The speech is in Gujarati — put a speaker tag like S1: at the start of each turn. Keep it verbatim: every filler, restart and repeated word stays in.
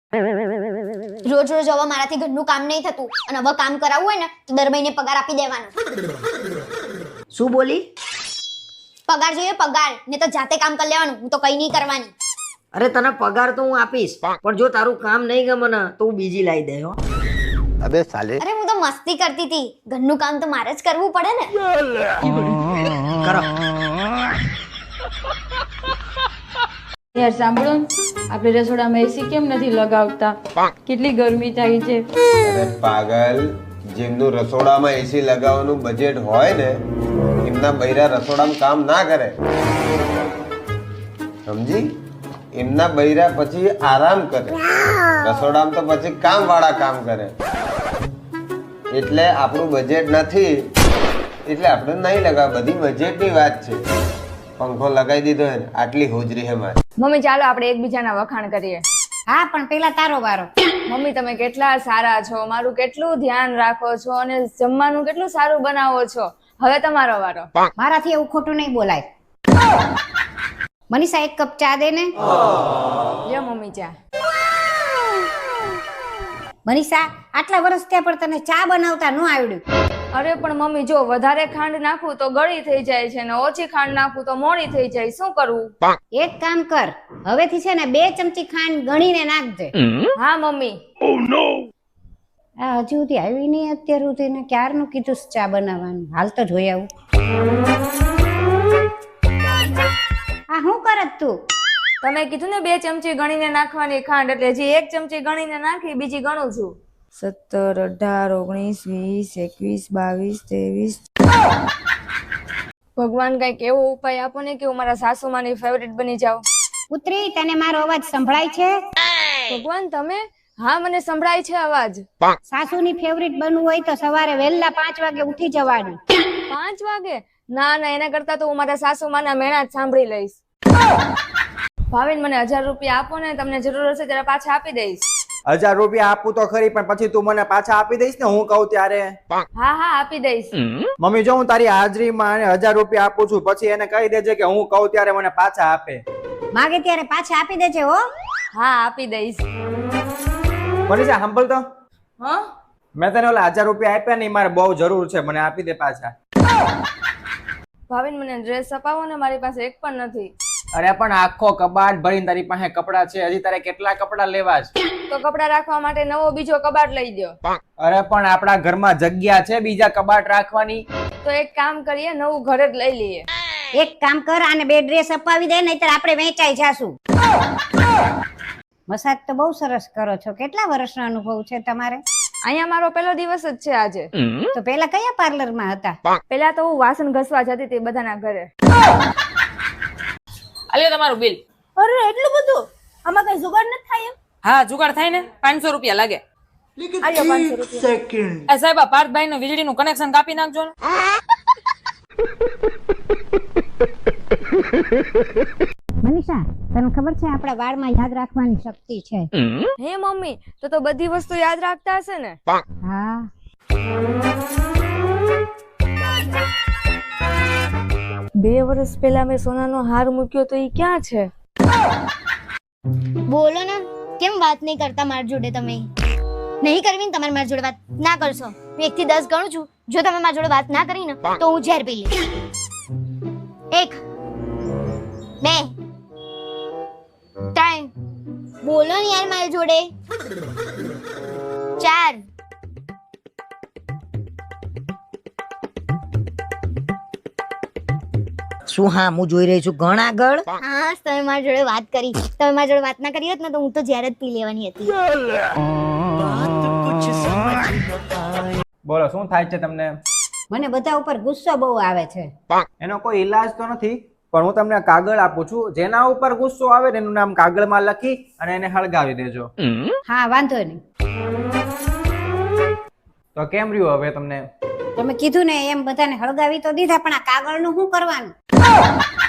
S1: રોજ રોજ હવે મારાથી ઘરનું કામ નહીં થતું અને હવે કામ કરાવવું હોય ને તો દર મહિને પગાર આપી દેવાનો.
S2: શું બોલી?
S1: પગાર જોઈએ પગાર, ને તો જાતે કામ કરી લેવાનું, હું તો કઈ નહીં કરવાની.
S2: અરે તને પગાર તો હું આપીશ, પણ જો તારું કામ નહીં ગમે ને તો હું બીજી લાવી દે હો.
S3: અબે સાલે.
S1: અરે હું તો મસ્તી કરતી હતી, ઘરનું કામ તો મારે જ કરવું પડે ને.
S2: કરો.
S4: યાર સાંભળો ને, આપણે રસોડામાં એસી કેમ નથી લગાવતા? કેટલી ગરમી થાય છે.
S3: અરે પાગલ, જેમનું રસોડામાં એસી લગાવવાનું બજેટ હોય ને એમના બૈરા રસોડામાં કામ ના કરે, સમજી? એમના બૈરા પછી આરામ કરે, રસોડામાં તો પછી કામ વાળા કામ કરે. એટલે આપણું બજેટ નથી એટલે આપણે નહીં લગાવ. બધી બજેટની વાત છે. પંખો લગાવી દીધો હે ને, આટલી હોજરી હે મારી.
S4: મમ્મી ચાલો આપણે એકબીજાના વખાણ કરીએ.
S5: હા પણ પેલા તારો વારો.
S4: મમ્મી તમે કેટલા સારા છો, મારું કેટલું ધ્યાન રાખો છો અને જમવાનું કેટલું સારું બનાવો છો. હવે તમારો વારો.
S5: મારાથી એવું ખોટું નહીં બોલાય. મનીષા એક કપ ચા દે ને.
S4: લ્યો મમ્મી ચા.
S5: મનીષા આટલા વર્ષ ત્યાં પણ તને ચા બનાવતા ન આવડ્યું.
S4: અરે પણ મમ્મી જો વધારે ખાંડ નાખું તો ગળી થઈ જાય છે ને ઓછી ખાંડ નાખું તો મોડી થઈ જાય, શું કરવું?
S5: એક કામ કર, હવેથી છે ને બે ચમચી ખાંડ ગણીને નાખજે.
S4: હા મમ્મી.
S5: આ હજી સુધી આવી નહીં અત્યાર સુધી ને ક્યારનું કીધું છે ચા બનાવવાનું. હાલ તો જોઈ આવું. આ શું કરત તું?
S4: તમે કીધું ને બે ચમચી ગણીને નાખવાની ખાંડ, એટલે હજી એક ચમચી ગણીને નાખી, બીજી ગણું છું. સત્તર, અઢાર, ઓગણીસ, વીસ, એકવીસ, બાવીસ, ત્રેવીસ. ભગવાન કઈક એવો ઉપાય આપો ને કે હું મારા સાસુમાની ફેવરિટ બની જાઉં.
S5: પુત્રી તને મારો અવાજ સંભળાય છે?
S4: ભગવાન તમે? હા મને સંભળાય છે અવાજ.
S5: સાસુની ફેવરિટ બનવું હોય તો સવારે વહેલા પાંચ વાગે ઉઠી જવાનું.
S4: પાંચ વાગે? ના ના, એના કરતા તો હું મારા સાસુમાના મેણા જ સાંભળી લઈશ. ભાવિન મને હજાર રૂપિયા આપો ને, તમને જરૂર હશે ત્યારે પાછા આપી દઈશ.
S6: હજાર રૂપિયા આપું તો ખરી, પણ પછી તું મને પાછા આપી દઈશ ને હું કહું ત્યારે?
S4: હા હા આપી દઈશ.
S6: મમ્મી જો હું તારી હાજરીમાં એને હજાર રૂપિયા આપું છું, પછી એને કહી દેજે કે હું કહું ત્યારે મને પાછા આપે.
S5: માગે ત્યારે પાછા આપી દેજે હો.
S4: હા આપી દઈશ.
S6: મનીષા સાંભળ તો,
S4: હા
S6: મેં તને ઓલા હજાર રૂપિયા આપ્યા નહીં, મારે બહુ જરૂર છે, મને આપી દે પાછા.
S4: ભાવિન મને ડ્રેસ અપાવો ને, મારી પાસે એક પણ નથી.
S6: અરે પણ આખો કબાટ ભરીને તારી પાસે કપડા છે, હજી તારે કેટલા કપડા લેવા છે?
S4: તો કપડા રાખવા માટે નવો બીજો કબાટ લઈ દો.
S6: અરે પણ આપણા ઘરમાં જગ્યા છે બીજા કબાટ રાખવાની?
S4: તો એક કામ કરીએ, નવું ઘર જ લઈ લઈએ.
S5: એક કામ કર, આને બે ડ્રેસ અપાવી દે, નહીતર આપણે વેચાઈ જાશું. મસાજ તો બહુ સરસ કરો છો. કેટલા વર્ષનો અનુભવ છે તમારે?
S4: અહીંયા મારો પહેલો દિવસ જ છે આજે.
S5: તો પેલા કયા પાર્લરમાં હતા?
S4: પેલા તો હું વાસણ ઘસવા જતી હતી બધાના ઘરે.
S7: આલ્યો તમારું બિલ.
S4: અરે એટલું બધું? આમાં કઈ જુગાડ નથી થાય?
S7: હા જુગાડ થાય ને, પાંચસો રૂપિયા લાગે.
S4: આલ્યો પાંચસો રૂપિયા.
S7: એ સાહેબ પાર્થભાઈ નું વીજળીનું કનેક્શન કાપી નાખજો ને.
S5: મનીષા તને ખબર છે આપણા વાળમાં યાદ રાખવાની શક્તિ છે?
S4: હે મમ્મી, તો તો બધી વસ્તુ યાદ રાખતા હશે ને?
S5: હા.
S4: બે વર્ષ પહેલા મેં સોનાનો હાર મૂક્યો તો ઈ ક્યાં છે?
S1: બોલો ને, કેમ વાત નહીં કરતા મારી જોડે? તમે નહીં કરવી ને તમારે મારી જોડે વાત ના કરશો. હું એક થી દસ ગણું છું, જો તમે મારી જોડે વાત ના કરી ને તો હું ઝેર પી લઈશ. એક, બે, ત્રણ, બોલો ને યાર મારી જોડે, ચાર,
S2: શું? હા હું જોઈ રહી છું. ઘણ આગળ.
S1: હા તમે મારી જોડે વાત કરી, તમે મારી જોડે વાત ના કરી હોત ને તો હું તો ઝેર જ પી લેવાની હતી.
S6: બોલો શું થાય છે તમને?
S5: મને બધા ઉપર ગુસ્સો બહુ આવે છે.
S6: એનો કોઈ ઈલાજ તો નથી, પણ હું તમને કાગળ આપું છું, જેના ઉપર ગુસ્સો આવે ને એનું નામ કાગળમાં લખી અને એને હળગાવી દેજો.
S5: હા વાંધો નહીં.
S6: તો કેમ રહ્યું હવે તમને?
S5: તમે કીધું ને એમ બધાને હળગાવી તો દીધા, પણ આ કાગળનું શું કરવાનું?